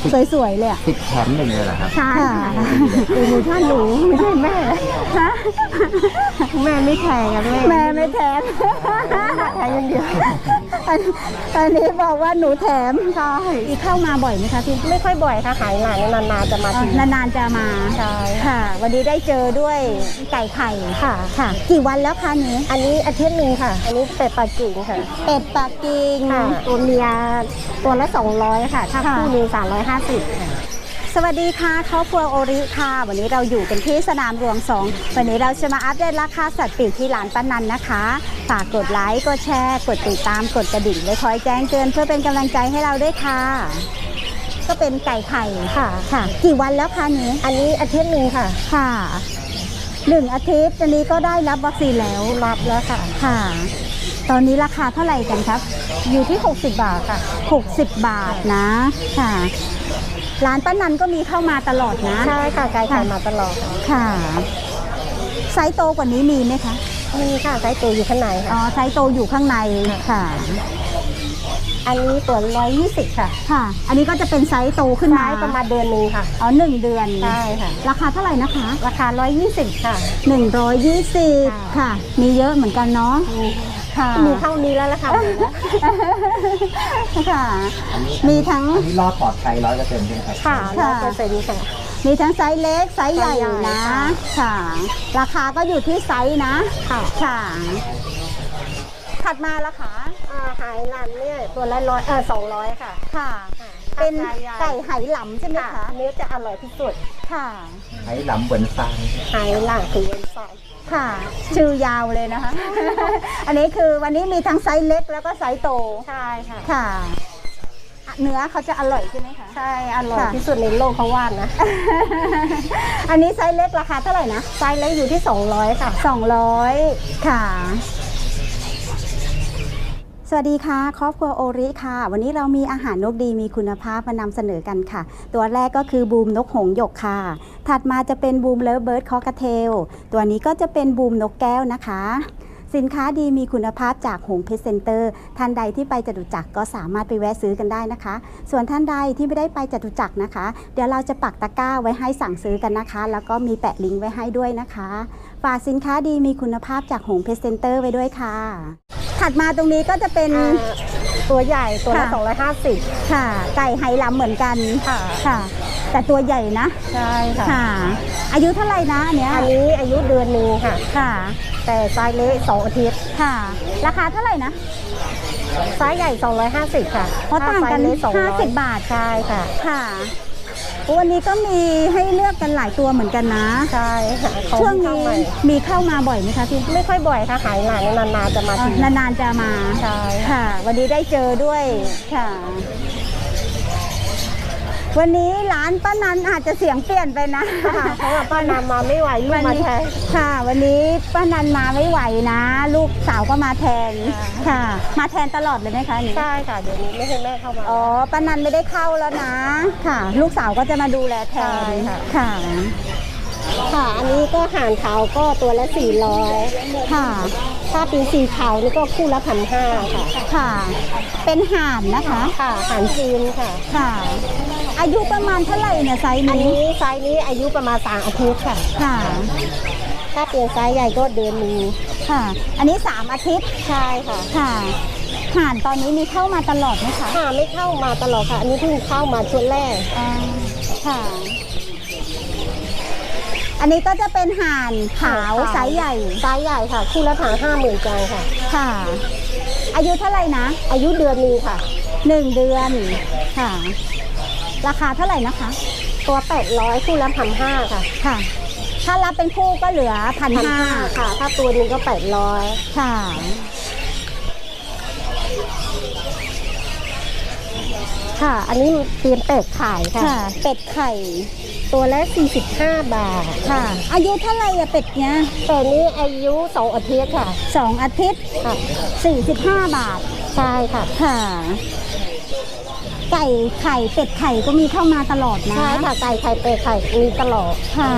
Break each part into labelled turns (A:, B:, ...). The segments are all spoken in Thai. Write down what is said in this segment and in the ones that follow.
A: สวยๆเลยอ่ะ
B: 10 แถม 1เลยเหรอครับ
A: ใช่
C: ค่ะโปรโมชั่นหนูไม่ใช่แม่
A: ฮะ
C: แม่ไม่แพงอะแม่
A: แม่ไม่แถม
C: แพงอย่างเดียว
A: อันนี้บอกว่าหนูแถม
C: ใช่
A: อีเข้ามาบ่อยไหมคะพี่
C: ไม่ค่อยบ่อยค่ะหายหลานนานๆจะมาที
A: นานๆจะมา
C: ใช่
A: ค่ะ วันนี้ได้เจอด้วยไก่ไข่
C: ค่ะ
A: ค่ะ กี่วันแล้วคะนี้
C: อันนี้อาทิตย์หนึ่งค่ะ อันนี้เป็ดปักกิ่งค่ะ
A: เป็ดปักกิ่ง
C: ค่ะ ตัวเมียตัวละ200ค่ะ ถ้า
A: ค่ะ
C: คู่หนึง350ค่ะ
A: สวัสดีค่ะครอบครัวโอริค่ะ วันนี้เราอยู่กันที่สนามหลวง2วันนี้เราจะมาอัปเดตราคาสัตว์ปีกที่ร้านป้านันนะคะฝากกดไลค์กดแชร์กดติดตามกดกระดิ่งไว้คอยแจ้งเตือนเพื่อเป็นกำลังใจให้เราด้วยค่ะ ก็เป็นไก่ไข่
C: ค่ะ
A: ค่ะ กี่วันแล้วคะนี้
C: อันนี้อาทิตย์หนึ่งค่ะ
A: ค่ะ1 อาทิตย์อันนี้ก็ได้รับวัคซีนแล้ว
C: รับแล้วค่ะ
A: ค่ะ ตอนนี้ราคาเท่าไหร่กันครับ
C: อยู่ที่60 บาทค่ะ
A: 60 บาทนะค่ะ ร้านป้านันก็มีเข้ามาตลอดนะ
C: ใช่ค่ะไก่ไข่มาตลอดค่ะ
A: ค่ะ ไซส์โตกว่านี้มีไหมคะ
C: มีค่ะไซส์ตัวอยู่ข้างใน
A: อ๋อ
C: ค่ะ
A: ไซส์โตอยู่ข้างในค่ะ
C: อันนี้ตัว120ค่ะ
A: ค่ะ อันนี้ก็จะเป็นไซส์โตขึ้นมา
C: ไม้ประมาณเดือนหนึงค่ะ
A: อ๋อ1 เดือน
C: ใช่ค่ะ
A: ราคาเท่าไหร่นะคะ
C: ราคา120ค่ะ
A: 120 ค่ะ มีเยอะเหมือนกันเนาะค่ะ
C: มีเท่านี้แล้วละค่ะ
A: ค่ะ มีทั้ง
B: อันนี้รอดปลอดภัย100%ใช่ไหมครับ
C: ค่ะ
A: ค่ะ
C: 100%ค่ะ
A: มีทั้งไซส์เล็กไซส์ใหญ่
C: ไซส์ใหญ่
A: นะ
C: ค่ะ
A: ค่ะ ราคาก็อยู่ที่ไซส์นะ
C: ค่ะ
A: ค่ะ ถัดมาละคะ
C: หายหลันเนี่ยตัวละ200ค่ะ
A: ค่ะ
C: ค่ะ
A: เป็น
C: ราคาใหญ่
A: ไก่ไหหลำใช่ไหม
C: ค่ะ
A: คะ
C: เนื้อจะอร่อยที่สุด
A: ค่ะ
B: ให้หลำเหมือนซาน
C: หายหลังคือเวนซอน
A: ค่ะ ชื่อยาวเลยนะคะ อันนี้คือวันนี้มีทั้งไซส์เล็กแล้วก็ไซส์โต
C: ใช่ค่ะ
A: ค่ะอ่ะเนื้อเขาจะอร่อยใช่ไหมคะ
C: ใช่อร่อย
A: ค่ะ
C: ที่สุดในโลกเขาว่านะ
A: อันนี้ไซส์เล็กราคาเท่าไหร่นะ
C: ไซส์เล็กอยู่ที่200ค่ะ
A: 200 ค่ะ สวัสดีค่ะครอบครัวโอริค่ะ วันนี้เรามีอาหารนกดีมีคุณภาพมานำเสนอกันค่ะ ตัวแรกก็คือบูมนกหงส์หยกค่ะ ถัดมาจะเป็นบูมเลิฟเบิร์ดคอกระเทลตัวนี้ก็จะเป็นบูมนกแก้วนะคะ สินค้าดีมีคุณภาพจากหงเพชรเซ็นเตอร์ท่านใดที่ไปจตุจักรก็สามารถไปแวะซื้อกันได้นะคะ ส่วนท่านใดที่ไม่ได้ไปจตุจักรนะคะ เดี๋ยวเราจะปักตะกร้าไว้ให้สั่งซื้อกันนะคะ แล้วก็มีแปะลิงก์ไว้ให้ด้วยนะคะฝากสินค้าดีมีคุณภาพจากหงเพชรเซ็นเตอร์ไว้ด้วยค่ะ ถัดมาตรงนี้ก็จะเป็น
C: ตัวใหญ่ตัวละ
A: ค่ะ
C: 250
A: ค่ะ ไก่ไหหลำเหมือนกัน
C: ค่ะ
A: ค่ะ แต่ตัวใหญ่นะ
C: ใช่ค่ะ
A: ค่ะ อายุเท่าไหร่นะอันเนี้ย
C: อันนี้อายุเดือนหนึงค่ะ
A: ค่ะ
C: แต่ไซส์เล็ก2 อาทิตย์
A: ค่ะ ราคาเท่าไหร่นะ
C: ไซส์ใหญ่250ค่ะ
A: เพราะต่างกัน
C: ถ้ไซส์เล็200
A: 50 บาท
C: ใช่ค่ะ
A: ค่ะวันนี้ก็มีให้เลือกกันหลายตัวเหมือนกันนะ
C: ใช่ค่ะเขา
A: ช่วง
C: เข้า
A: นี้
C: ใหม่
A: มีเข้ามาบ่อยไหมคะพี่
C: ไม่ค่อยบ่อยค่ะหายหลานนานๆจะมาที
A: นานๆจะมา
C: ใช่
A: ค่ะ วันนี้ได้เจอด้วยค่ะ วันนี้ร้านป้านันอาจจะเสียงเปลี่ยนไปนะ
C: ค่ะเพราะว่าป้านำมาไม่ไหวลูกมาแทน
A: ค่ะ วันนี้ป้านันมาไม่ไหวนะ ลูกสาวก็มาแทน ค่ะ มาแทนตลอดเลยไหมคะนี่
C: ใช่ค่ะเดี๋ยวนี้ไม่ให้แม่เข้ามา
A: อ๋อป้านันไม่ได้เข้าแล้วนะ ค่ะ ลูกสาวก็จะมาดูแลแทน
C: ใช่ค่ะ
A: ค่ะ
C: ค่ะ อันนี้ก็ห่านขาวก็ตัวละ400
A: ค่ะ
C: ถ้าเป็นสีขาวนี่ก็คู่ละ1,500ค่ะ
A: ค่ะ เป็นห่านนะคะ
C: ค่ะห่านจีนค่ะ
A: ค่ะ อายุประมาณเท่าไหร่เนี่ยไซส์
C: อัน
A: นี้
C: นี้ไซส์นี้อายุประมาณ3 อาทิตย์ค่ะ
A: ค่ะ
C: ถ้าเปลี่ยนไซส์ใหญ่ก็เดือนหนึง
A: ค่ะ อันนี้3 อาทิตย์
C: ใช่ค่ะ
A: ค่ะ ห่านตอนนี้มีเข้ามาตลอดไหมคะ
C: ค่ะไม่เข้ามาตลอดค่ะ อันนี้เพิ่งเข้ามาชุดแรก
A: อ่าค่ะ อันนี้ก็จะเป็นห่านขาวไซส์ใหญ่
C: ไซส์ใหญ่ค่ะ คู่ละ50,000จังค่ะ
A: ค่ะ อายุเท่าไหร่นะ
C: อายุเดือนหนึงค่ะ
A: 1 เดือน ค่ะ ราคาเท่าไหร่นะคะ
C: ตัว800คู่ละ1,500ค่ะ
A: ค่ะ ถ้ารับเป็นคู่ก็เหลือ1,500
C: ค่ะ ถ้าตัวหนึงก็800
A: ค่ะ
C: ค่ะ อันนี้เตรียมเป็ดขายค่ะ
A: ค่ะ เป็ดไข่
C: ตัวละ45 บาท
A: ค่ะ อายุเท่าไหร่อะเป็ดเนี้ย
C: แต่นี้อายุ2 อาทิตย์ค่ะ
A: 2 อาทิตย์
C: ค่ะ
A: 45 บาท
C: ใช่ค่ะ
A: ค่ะ ไก่ไข่เป็ดไข่ก็มีเข้ามาตลอดนะ
C: ใช่ค่ะ ไก่ไข่เป็ดไข่มีตลอด
A: ค่ะ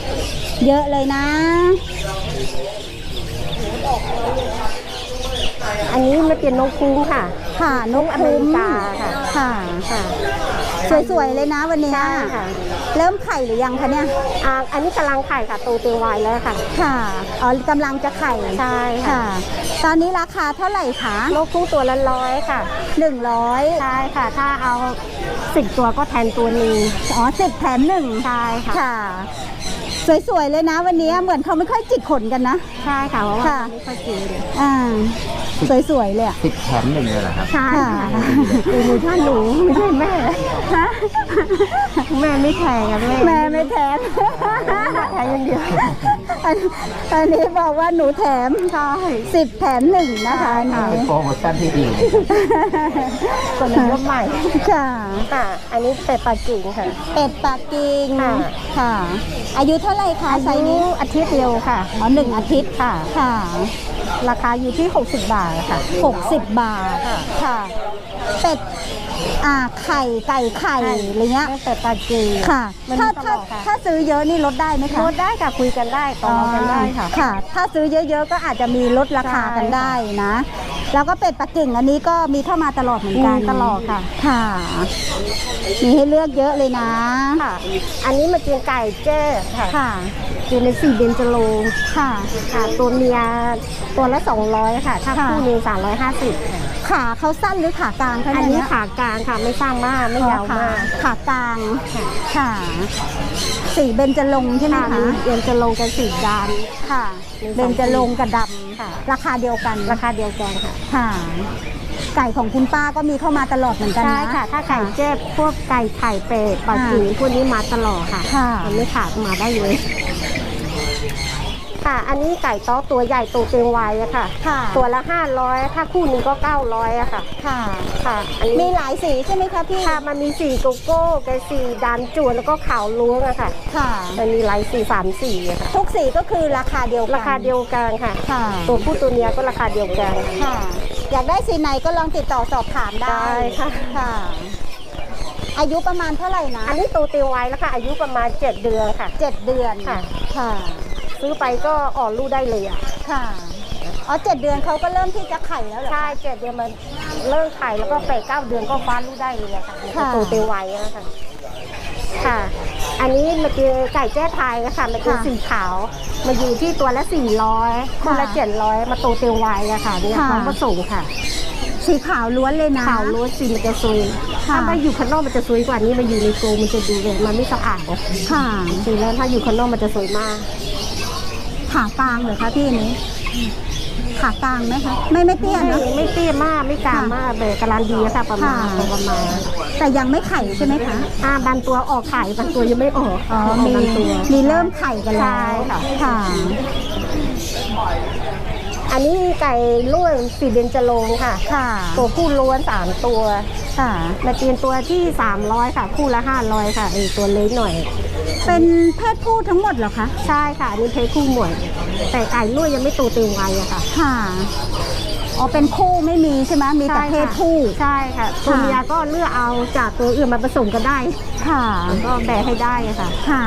A: เยอะเลยนะ
C: อันนี้มันเป็นนกคุ้งค่ะ
A: ค่ะนก
C: อเม
A: คุ้ม
C: ริกาค่ะ
A: ค่ะ
C: ค่ะ
A: สวยๆเลยนะวันเนี้ย
C: ใช่ค่ะ
A: เริ่มไข่หรือยังคะเนี่ย
C: อันนี้กำลังไข่ค่ะโตเต็มวัยแล้วค่ะ
A: ค่ะอ๋อกำลังจะไข่
C: ใช่ค่ะ
A: ค่ะ ตอนนี้ราคาเท่าไหร่คะ
C: นกคุ้งตัวละ100ค่ะ
A: 100
C: ใช่ค่ะ ถ้าเอา10ตัวก็แทนตัวหนึง
A: อ๋อ10 แถม 1
C: ใช่ค่ะ
A: ค่ะ สวยๆเลยนะวันนี้เหมือนเขาไม่ค่อยจิกขนกันนะ
C: ใช่ค่ะเพราะว่า
A: ค่ะ
C: ไม่ค่อยกิน
A: อ่าสวยๆเลยอะ
B: 10 แถม 1เลยเหรอครับ
C: ใช่
A: ค่ะ
C: ค่ะดูท่านหนูไม่ใช่แม่
A: ฮะ
C: แม่ไม่แข่งกับแม่
A: แม่ไม่แถม
C: แข่งอย่างเดียว
A: อันนี้บอกว่าหนูแถม
C: ใช่
A: 10 แถม 1 นะคะอัน
B: เป็น
A: นี้
B: โปรโมชั่นที่ดี
C: คนละรุ่นใหม่
A: ค่ะ
C: ค่ะ อันนี้เป็ดปักกิ่งค่ะ
A: เป็ดปักกิ่ง
C: ค่ะ
A: ค่ะ อายุเท่าไหร่คะไซส์นี้
C: อาทิตย์เดียวค่ะ
A: อ๋อ1 อาทิตย์
C: ค่ะ
A: ค่ะ
C: ราคาอยู่ที่60 บาทค่ะ
A: 60 บาท
C: ค่ะ
A: ค่ะ เป็ดไข่ไก่ไข่อะไรเงี้ย
C: เป็ดปักกิ่ง
A: ค่ะ
C: มัน
A: ถ้า
C: มีต
A: ถ้า
C: ลอดค่ะ
A: ถ้าซื้อเยอะนี่ลดได้ไหมคะ
C: ลดได้ค่ะคุยกันได้ต่อรองกันได้ค่ะ
A: ค่ะ ถ้าซื้อเยอะๆก็อาจจะมีลดราคากัน
C: ใช่ค่ะ
A: ได้นะ แล้วก็เป็ดปักกิ่งอันนี้ก็มีเข้ามาตลอดเหมือนกัน
C: มีตลอดค่ะ
A: ค่ะ มีให้เลือกเยอะเลยนะ
C: ค่ะ อันนี้มันเป็นไก่แจ้ค่ะ
A: ค่ะ
C: อยู่ใน4เบญจรงค์
A: ค่ะ
C: ค่ะ ตัวเมียตัวละ200ค่ะ ถ้า
A: ค่ะ
C: คู่หนึง350ค่ะ
A: ขาเขาสั้นหรือขากลางคะ
C: อัน
A: เย
C: นี้ขากลางค่ะไม่สั้นมากไม่ยาวมาก
A: ขากลาง ค่ะสีเบญจรงค์ใช่ไหม
C: ค่ะ
A: คะ
C: มีเรียนจะลงกันสีด
A: ค่ะ
C: มี
A: เบญจรงค์กับด
C: ำค่ะ
A: ำราคาเดียวกัน
C: ราคาเดียวกันค่ะ
A: ค่ะ ไก่ของคุณป้าก็มีเข้ามาตลอดเหมือนกันนะ
C: ใช่ค่ะ ถ้าไก่แจ้พวกไก่ไข่เป็ดปลาจีพวกนี้มาตลอดค่ะ
A: ค่ะ
C: มันไม่ขาดมาได้เลย ค่ะ อันนี้ไก่ต๊อกตัวใหญ่ตัวเต็มวัยอะค่ะ
A: ค่ะ
C: ตัวละ500ถ้าคู่หนึงก็900อะค่ะ
A: ค่ะ
C: ค่ะ อัน
A: มี
C: นี้
A: หลายสีใช่ไหมคะพี่
C: ค่ะมันมีสีโกโก้กับสีดันจวนแล้วก็ขาวล้วงอะค่ะ
A: ค่ะ
C: มันมีหลายสี3สีอะค่ะ
A: ทุกสีก็คือราคาเดียวกัน
C: ราคาเดียวกันค่ะ
A: ค่ะ
C: ตัวผู้ตัวเมียก็ราคาเดียวกัน
A: ค่ะ อยากได้สีไหนก็ลองติดต่อสอบถามได้
C: ได้ค่ะ
A: ค่ะ อายุประมาณเท่าไหร่นะ
C: อันนี้โตเต็มวัยแล้วค่ะอายุประมาณ7 เดือนค่ะ
A: 7 เดือน
C: ค่ะ
A: ค่ะ
C: ซื้อไปก็ออกลูกได้เลยอ่ะ
A: ค่ะ อ๋อ7 เดือนเขาก็เริ่มที่จะไข่แล้วเหรอคะ
C: ใช่7 เดือนมันเริ่มไข่แล้วก็8-9 เดือนก็ฟ้าลูกได้เลยอะค่ะมัน
A: ค่ะ
C: ก็โตเต็มวัยแล้วค่ะ ค่ะ อันนี้มันเป็นไก่แจ้ไทยนะคะมันเป็นสีขาวมาอยู่ที่ตัวละ400คนละ700มาโตเต็มวัยอะค่ะเนี่ยพร้อมผสมค่ะ
A: สีขาวล้วนเลยนะ
C: ขาวล้วนสีมันจะสวย
A: ค่ะ
C: ถ้ามาอยู่ข้างนอกมันจะสวยกว่านี้มาอยู่ในกรงมันจะดูเลยมันไม่สะอาด
A: ค่ะ
C: จริงๆแล้วถ้าอยู่ข้างนอกมันจะสวยมาก
A: ขากลางเหรอคะพี่อันนี้ ขากลางไหมคะ ไม่เตี้ยเนอะ
C: ไม่เตี้ยมากไม่กลางมากเลยกำลังดีอะค่ะประมาณ
A: ค่ะ
C: ประมาณ
A: แต่ยังไม่ไข่ใช่ไหมคะ
C: บางตัวออกไข่บางตัวยังไม่ออก
A: อ๋อ
C: ออก
A: มี
C: บางตัว
A: มีเริ่มไข่กันแล้ว
C: ใช่ค่ะ
A: ค่ะ
C: อันนี้ไก่ล้วนสีเบญจรงค์ค่ะ
A: ค่ะ
C: ตัวผู้ล้วน3ตัว
A: ค่ะ
C: มาเตียนตัวที่300ค่ะ คู่ละ500ค่ะตัวเล็กหน่อย
A: เป็นเพศผู้ทั้งหมดเหรอคะ
C: ใช่ค่ะอันนี้เพศคู่หมดแต่ไก่ล้วนยังไม่โตเต็มวัยอะค่ะ
A: ค่ะ อ๋อ เป็นคู่ไม่มีใช่ไหมมีแต่เพศผู้
C: ใช่ค่ะตัวเมียก็เลือกเอาจากตัวอื่นมาผสมกันได้
A: ค่ะ
C: ก็แบ่งให้ได้อะค่ะ
A: ค่ะ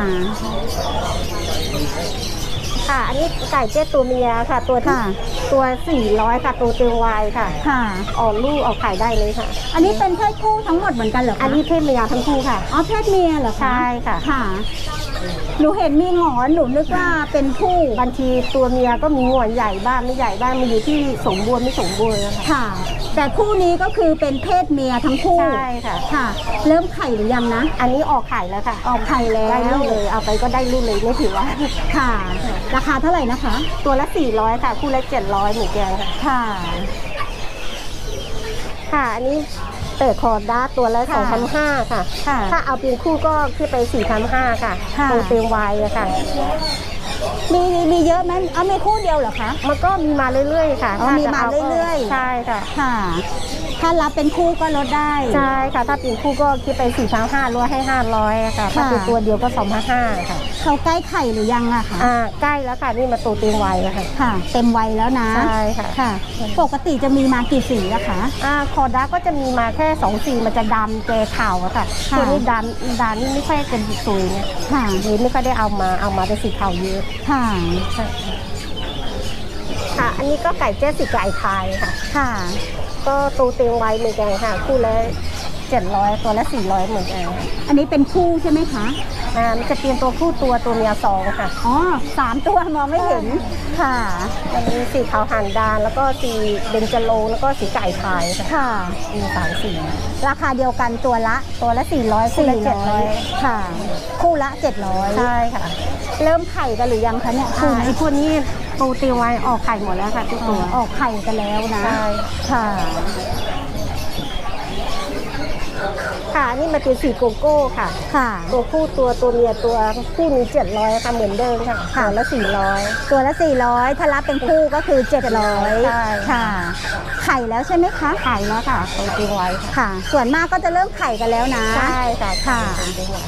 C: ค่ะ อันนี้ไก่เจ๊ตัวเมียค่ะ ตัวที่
A: ค่ะ
C: ตัว400ค่ะตัวเต็มวัยค่ะ
A: ค่ะ
C: ออกลูกออกไข่ได้เลยค่ะ
A: อันนี้เป็นเพศผู้ทั้งหมดเหมือนกันเหรอคะ
C: อันนี้เพศเมียทั้งคู่ค่ะ
A: อ๋อ เพศเมียเหรอคะ
C: ใช่ค่ะ
A: ค่ะ หนูเห็นมีหงอนหนูนึกว่าเป็นผู้
C: บางทีตัวเมียก็มีหงอนใหญ่บ้างไม่ใหญ่บ้างมันอยู่ที่สมบูรณ์ไม่สมบูรณ์นะคะ
A: ค่ะ แต่คู่นี้ก็คือเป็นเพศเมียทั้งคู่
C: ใช่ค่ะ
A: ค่ะ เริ่มไข่หรือยังนะ
C: อันนี้ออกไข่แล้วค่ะ
A: ออกไข่แล้ว
C: ได้ลูกเลยเอาไปก็ได้ลูกเลยไม่ถือว่า
A: ค่ะ ราคาเท่าไหร่นะคะ
C: ตัวละ400ค่ะคู่ละ700เหมือนกันค่ะ
A: ค่ะ
C: ค่ะ อันนี้เปิดคอร์ด้าตัวละ
A: ค่ะ
C: 2,500ค่ะ
A: ค่ะ
C: ถ้าเอาเป็นคู่ก็ขึ้นไป4,500ค่ะ
A: ค่ะ
C: ตัวเต็มวัยอะค่ะ
A: มีเยอะไหมเอามีคู่เดียวเหรอคะ
C: มันก็มีมาเรื่อยๆค่ะ
A: อ๋อ
C: ถ้
A: มี
C: จะ
A: มา
C: ก็
A: เรื่อยๆ
C: ใช่ค่ะ
A: ค่ะ ถ้ารับเป็นคู่ก็ลดได้
C: ใช่ค่ะ ถ้าเป็นคู่ก็คิดไป4,500ลดให้500อะค่ะ ถ้า
A: ค่ะ
C: เป็นตัวเดียวก็2,500ค่ะ
A: เขาใกล้ไข่หรือยังอะคะ
C: ใกล้แล้วค่ะนี่มาตัวเต็มวัยแล้วค่ะ
A: ค่ะ เต็มวัยแล้วนะ
C: ใช่ค่ะ
A: ค่ะ ปกติจะมีมากี่สีอะคะ
C: คอร์ด้าก็จะมีมาแค่2สีมันจะดำแกขาวอะค่ะ
A: ค่ะ
C: ตัวนี้ดำนี่ไม่ค่อยเป็นสวยเนี่ย
A: ค่ะ
C: เลยไม่ค่อยได้เอามาเป็นสีขาวเยอะ
A: ค่ะ
C: ค่ะค่ะ อันนี้ก็ไก่แจ้สีไก่ไทยค่ะ
A: ค่ะ
C: ก็ตูเตียงไว้เหมือนกันค่ะ คู่ละ700ตัวละ400เหมือนกัน
A: อันนี้เป็นคู่ใช่ไหมคะ
C: มันจะเปลี่ยนตัวผู้ตัวเมีย2ค่ะ
A: อ๋อ3 ตัวมองไม่เห็นค่ะ
C: อันนี้สีขาวหางดานแล้วก็สีเบญจโลงแล้วก็สีไก่ไทยค่ะ
A: ค่ะ
C: มี3 สี
A: ราคาเดียวกันตัวละ
C: ตัวละ400คู่ละ700
A: ค่ะ คู่ละ700
C: ใช่ค่ะ
A: เริ่มไข่กันหรือยังคะเนี่ยคู่
C: ไอ้
A: นี้
C: พวกนี้ตูเตียงไว้ออกไข่หมดแล้วค่ะทุกตัว
A: ออกไข่กันแล้วนะ
C: ใช่
A: ค่ะ
C: ค่ะอันนี่มาเป็นสีโกโก้ค่ะ
A: ค่ะ
C: ตัวผู้ตัวเมียตัวคู่นี้700ค่ะเหมือนเดิมค่ะ
A: ค่ะ
C: ตัวละ400
A: ตัวละ400ถ้ารับเป็นคู่ก็คือ700
C: ใช่
A: ค่ะ ไข่แล้วใช่ไหมคะ
C: ขายแล้วค่ะตูเตียงไว้ค่ะ
A: ค่ะ ส่วนมากก็จะเริ่มไข่กันแล้วนะ
C: ใช่ค่ะ
A: ค่ะ
C: ตูเตียงไว้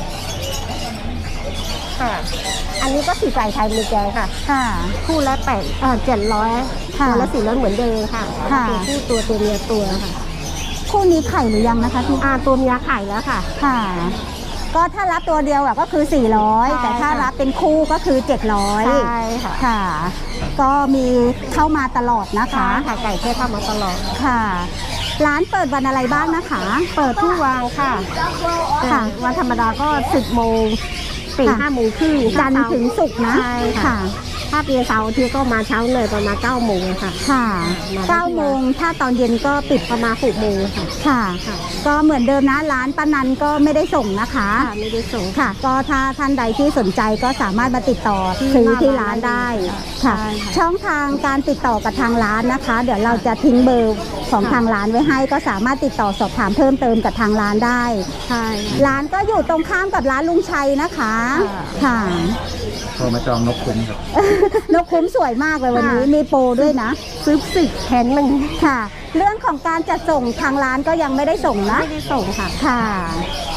C: ค่ะ อันนี้ก็สีไก่ไทยมีแกงค่ะ
A: ค่ะ
C: คู่ละ700
A: ค่ะ
C: ตัวละ400เหมือนเดิมค่ะ
A: ค่ะ
C: ตัวผู้ตัวเมียตัวค่ะ
A: คู่นี้ไข่หรือยังนะคะพี่
C: ตัวเมียไข่แล้วค่ะ
A: ค่ะ ก็ถ้ารับตัวเดียวอะก็คือ
C: ใช่
A: 400 แต่ถ้า
C: ค่ะ
A: รับเป็นคู่ก็คือ 700
C: ใช่ค่ะ
A: ค่ะ ก็มีเข้ามาตลอดนะคะ
C: ค่ะไก่เทศเข้ามาตลอด
A: ค่ะ ร้านเปิดวันอะไรบ้างนะคะ
C: เปิดทุกวันค่ะ
A: ค่ะ
C: วันธรรมดาก็10 โมงถึง
A: ค่ะ
C: 5 โมงครึ่ง
A: จันทร์ถึงศุกร์นะ
C: ใช่ค่ะ ถ้าเป็นเสาร์อาที่ก็มาเช้าเลยประมาณ9 โมงค่ะ
A: ค่ะ
C: มาได้ที่
A: 9 โมง ถ้าตอนเย็นก็ปิด
C: ประมาณ6 โมงค่ะ
A: ค่ะ
C: ค่ะ
A: ก็เหมือนเดิมนะร้านป้านันก็ไม่ได้ส่งนะคะ
C: ไม่ได้ส่ง
A: ค่ะ ก็ถ้าท่านใดที่สนใจก็สามารถมาติดต่อ
C: ที่
A: ซื้อ
C: หน้า
A: ที่
C: ร้า
A: ร้าน น
C: ได้
A: ได้
C: ค่ะ
A: ค่ะ
C: ใช่ค่ะ
A: ช่องทางการติดต่อกับทางร้านนะคะ เดี๋ยวเราจะทิ้งเบอร์ของ
C: ค่ะ
A: ทางร้านไว้ให้ ก็สามารถติดต่อสอบถามเพิ่มเติมกับทางร้านได้
C: ใช่
A: ร้านก็อยู่ตรงข้ามกับร้านลุงชัยนะคะ ค่ะ
B: โทรมาจองนกคุ้มครับ
A: นกคุ้มสวยมากเลยวันนี้มีโปรด้วยนะ
C: ซื้อ10 แขนหนึ่ง
A: ค่ะ เรื่องของการจัดส่งทางร้านก็ยังไม่ได้ส่งนะ
C: ไม่ได้ส่งค่ะ
A: ค่ะ